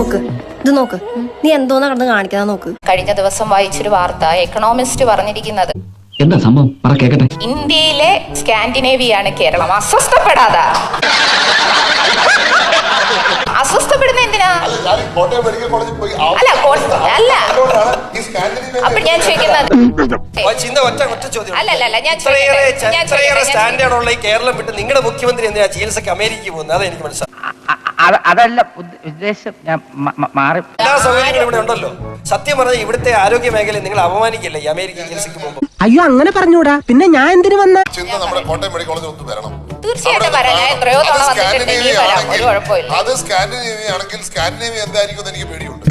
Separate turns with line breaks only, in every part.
നോക്ക് നീ എന്തോന്നാ കിടന്ന് കാണിക്കാ നോക്ക്.
കഴിഞ്ഞ ദിവസം വായിച്ചൊരു വാർത്ത, എക്കണോമിസ്റ്റ് പറഞ്ഞിരിക്കുന്നത്
എന്താ സംഭവം പറ കേക്കട്ടെ.
ഇന്ത്യയിലെ സ്കാൻഡിനേവിയാണ് കേരളം. അസ്വസ്ഥപ്പെടാതെ അസ്വസ്ഥപ്പെടുന്ന എന്തിനാ? അല്ല അപ്പൊ ഞാൻ ചോദിക്കുന്നത് അല്ലല്ല ഞാൻ
സ്റ്റാൻഡേർഡുള്ള ഈ കേരളം വിട്ട് നിങ്ങളുടെ മുഖ്യമന്ത്രി എന്തിനാ ചികിത്സക്ക് അമേരിക്കയിൽ പോകുന്നത്? അതാ എനിക്ക് മനസ്സിലായി.
അതല്ല ഉദ്ദേശം, ഞാൻ മാറി.
എല്ലാ സൗകര്യങ്ങളും ഇവിടെ ഉണ്ടല്ലോ. സത്യം പറഞ്ഞാൽ ഇവിടുത്തെ ആരോഗ്യ മേഖലയെ നിങ്ങൾ അപമാനിക്കില്ലേ ഈ അമേരിക്ക ചികിത്സക്ക് പോകുമ്പോൾ?
അയ്യോ അങ്ങനെ പറഞ്ഞൂടാ, പിന്നെ ഞാൻ എന്തിനു വന്ന?
നമ്മുടെ കോട്ടയം മെഡിക്കൽ കോളേജിൽ ഒന്ന് വരണം.
തീർച്ചയായിട്ടും വരാം. ഞാൻ എത്രയോ തവണ വന്നിട്ടുണ്ട്. ഇനി വരാം, ഒരു കുഴപ്പമില്ല.
അത് സ്കാൻഡിനേവിയ ആണെങ്കിൽ സ്കാൻഡിനേവിയ എന്തായിരിക്കും എനിക്ക് പേടിയുണ്ട്.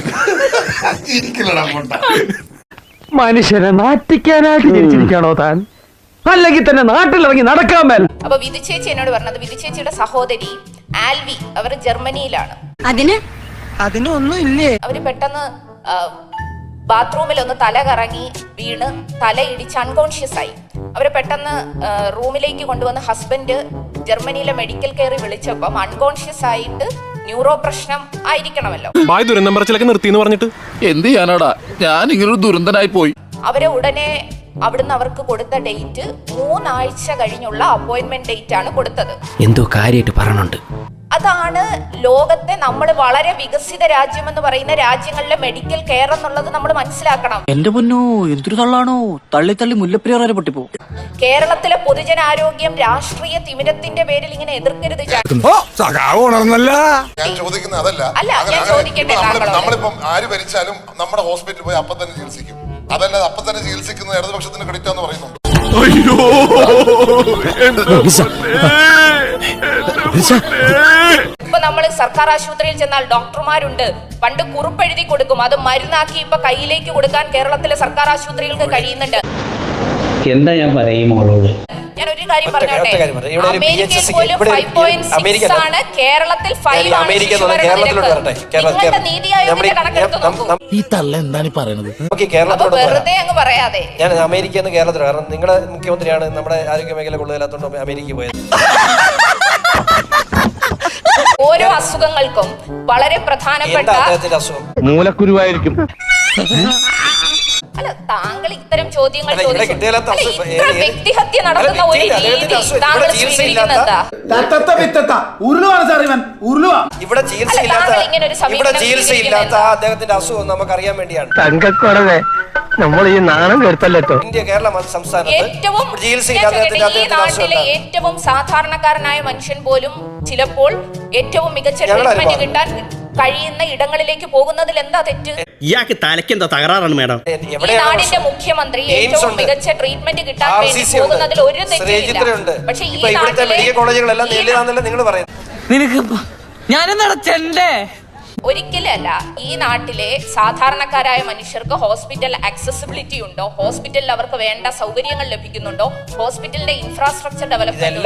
മനുഷ്യനെ നാറ്റിക്കാനായിട്ട് ജനിച്ചിരിക്കാണോ താൻ? അല്ലെങ്കിൽ തന്നെ നാട്ടിലിറങ്ങി നടക്കാൻ മേൽ.
അപ്പൊ വിധു ചേച്ചി എന്നോട് പറഞ്ഞത്, വിധു ചേച്ചിയുടെ സഹോദരി ആൽവി, അവർ ജർമ്മനിയിലാണ്.
അതിനൊന്നും ഇല്ലേ?
അവര് പെട്ടെന്ന് ബാത്റൂമിൽ ഒന്ന് തല കറങ്ങി വീണ് തല ഇടിച്ച് അൺകോൺഷ്യസ് ആയി. അവരെ പെട്ടെന്ന് റൂമിലേക്ക് കൊണ്ടുവന്ന് ഹസ്ബൻഡ് ജർമ്മനിയിലെ മെഡിക്കൽ കെയറിൽ വിളിച്ചപ്പം അൺകോൺഷ്യസ് ആയിട്ട് ന്യൂറോ പ്രശ്നം ആയിരിക്കണമല്ലോ.
ദുരന്തം പറച്ചിലൊക്കെ നിർത്തിന്ന് പറഞ്ഞിട്ട്
എന്ത് ചെയ്യാനാടാ, ഞാൻ ഇങ്ങനൊരു ദുരന്തനായി പോയി.
അവരെ ഉടനെ അവിടുന്ന് അവർക്ക് കൊടുത്ത ഡേറ്റ് 3 ആഴ്ച കഴിഞ്ഞുള്ള അപ്പോയിന്റ്മെന്റ് ഡേറ്റ് ആണ് കൊടുത്തത്.
എന്തോ കാര്യമായിട്ട് പറയണുണ്ട്.
അതാണ് ലോകത്തെ നമ്മൾ വളരെ വികസിത രാജ്യമെന്ന് പറയുന്ന രാജ്യങ്ങളിലെ മെഡിക്കൽ കെയർ എന്നുള്ളത് നമ്മൾ മനസ്സിലാക്കണം.
എന്റെ പൊന്നോ, എന്തൊരു തള്ളാണോ, തള്ളി തള്ളി മുല്ലപ്പെരിയാർ വരെ പൊട്ടിപ്പോ.
കേരളത്തിലെ പൊതുജനാരോഗ്യം രാഷ്ട്രീയ തിമിരത്തിന്റെ പേരിൽ ഇങ്ങനെ എതിർക്കരുത്.
ഞാൻ ചോദിക്കുന്നത് അതല്ല.
ഞാൻ ചോദിക്കട്ടെ,
നമ്മളിപ്പം ആര് ഭരിച്ചാലും നമ്മുടെ ഹോസ്പിറ്റലിൽ പോയി അപ്പം തന്നെ ചികിത്സിക്കും. അതല്ലാതെ അപ്പം തന്നെ ചികിത്സിക്കുന്നത് ഇടതുപക്ഷത്തിന് ക്രെഡിറ്റ് എന്ന് പറയുന്നുണ്ട്.
ഇപ്പൊ നമ്മൾ സർക്കാർ ആശുപത്രിയിൽ ചെന്നാൽ ഡോക്ടർമാരുണ്ട്. പണ്ട് കുറിപ്പെഴുതി കൊടുക്കും, അത് മരുന്നാക്കി ഇപ്പൊ കയ്യിലേക്ക് കൊടുക്കാൻ കേരളത്തിലെ സർക്കാർ ആശുപത്രികൾക്ക് കഴിയുന്നുണ്ട്.
എന്താ ഞാൻ പറയും മോളോട്?
ഞാൻ ഒരു കാര്യം പറഞ്ഞോട്ടെ, അമേരിക്കയിൽ പോലും 5.6 ആണ്, കേരളത്തിൽ 5 ആണ് ശിശുമരണ നിരക്ക്. നിങ്ങളുടെ നീതി ആയോഗിന്റെ കണക്കെടുത്ത് നോക്കൂ.
ഈ തള്ള എന്താണ് പറയുന്നത്?
അപ്പൊ വെറുതെ അങ്ങ് പറയാതെ.
ഞാൻ അമേരിക്കയിൽ നിന്ന് കേരളത്തിൽ, കാരണം നിങ്ങളുടെ മുഖ്യമന്ത്രിയാണ് നമ്മുടെ ആരോഗ്യ മേഖല കൊള്ളുകയില്ലാത്തതുകൊണ്ട് അമേരിക്കയിൽ പോയത്.
ഓരോ അസുഖങ്ങൾക്കും വളരെ പ്രധാനപ്പെട്ട
മൂലക്കുരുവായിരിക്കും.
അല്ല, താങ്കൾ ഇത്തരം ചോദ്യങ്ങൾ വ്യക്തിഹത്യ നടത്തുന്ന ഒരു രീതി താങ്കൾ സ്വീകരിക്കുന്നത്
ഇവിടെ ചികിത്സയില്ലാത്ത അദ്ദേഹത്തിന്റെ അസുഖം നമുക്കറിയാൻ വേണ്ടിയാണ്.
തങ്കക്കുറവേ, നമ്മൾ ഈ നാണം കെടുത്തല്ലോ.
ഇന്ത്യ കേരള സംസ്ഥാനത്ത്
ഏറ്റവും ഏറ്റവും സാധാരണക്കാരനായ മനുഷ്യൻ പോലും ചിലപ്പോൾ ഏറ്റവും മികച്ച ട്രീറ്റ്മെന്റ് കിട്ടാൻ കഴിയുന്ന ഇടങ്ങളിലേക്ക് പോകുന്നതിൽ എന്താ തെറ്റ്?
ഇയാൾക്ക് തലയ്ക്ക് എന്താ തകരാറാണ് മേഡം?
ഈ നാടിന്റെ മുഖ്യമന്ത്രി ഏറ്റവും മികച്ച ട്രീറ്റ്മെന്റ് കിട്ടാൻ വേണ്ടി പോകുന്നതിൽ ഒരു തെറ്റില്ല. പക്ഷെ ഈ
മെഡിക്കൽ കോളേജുകളെല്ലാം നേരിടാന്നല്ല നിങ്ങൾ പറയുന്നത്.
നിനക്ക് ഞാനെന്താ ചെണ്ടേ?
ഒരിക്കലല്ല, ഈ നാട്ടിലെ സാധാരണക്കാരായ മനുഷ്യർക്ക് ഹോസ്പിറ്റൽ ആക്സസിബിലിറ്റി ഉണ്ടോ? ഹോസ്പിറ്റലിൽ അവർക്ക് വേണ്ട സൗകര്യങ്ങൾ ലഭിക്കുന്നുണ്ടോ? ഹോസ്പിറ്റലിന്റെ ഇൻഫ്രാസ്ട്രക്ചർ ഡെവലപ്മെന്റ്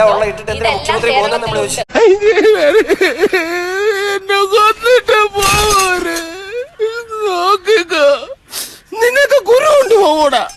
നിങ്ങൾക്ക് ഗുരു കൊണ്ടുപോകൂടാ.